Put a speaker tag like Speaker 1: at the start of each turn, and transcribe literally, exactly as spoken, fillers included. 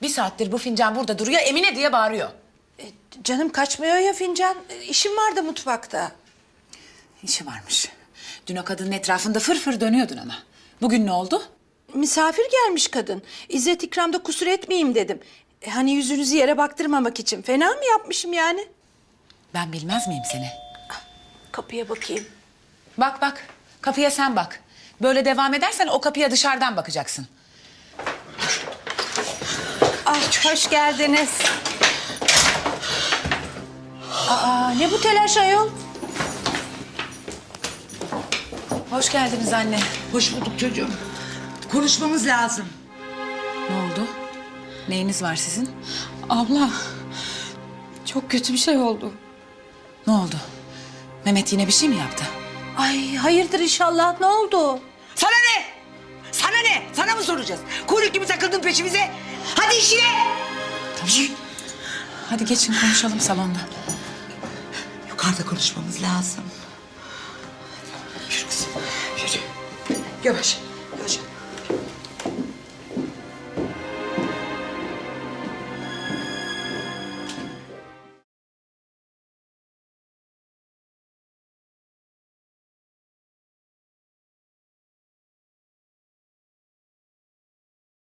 Speaker 1: Bir saattir bu fincan burada duruyor, Emine diye bağırıyor.
Speaker 2: E, canım kaçmıyor ya fincan. E, işim vardı mutfakta.
Speaker 1: İşi varmış. Dün o kadının etrafında fır fır dönüyordun ama. Bugün ne oldu?
Speaker 2: Misafir gelmiş kadın. İzzet ikramda kusur etmeyeyim dedim. E, hani yüzünüzü yere baktırmamak için. Fena mı yapmışım yani?
Speaker 1: Ben bilmez miyim seni?
Speaker 2: Kapıya bakayım.
Speaker 1: Bak bak, kapıya sen bak. Böyle devam edersen o kapıya dışarıdan bakacaksın.
Speaker 2: Ah, hoş geldiniz. Aa, ne bu telaş ayol?
Speaker 1: Hoş geldiniz anne.
Speaker 3: Hoş bulduk çocuğum. Konuşmamız lazım.
Speaker 1: Ne oldu? Neyiniz var sizin?
Speaker 4: Abla, çok kötü bir şey oldu.
Speaker 1: Ne oldu? Mehmet yine bir şey mi yaptı?
Speaker 2: Ay hayırdır inşallah, ne oldu?
Speaker 3: Sana ne? Sana ne? Sana mı soracağız? Kuyruk gibi takıldın peşimize. Hadi işine.
Speaker 1: Tamam. Hadi geçin konuşalım salonda.
Speaker 3: Yukarıda konuşmamız lazım. Yürü kızım, yürü. Yavaş.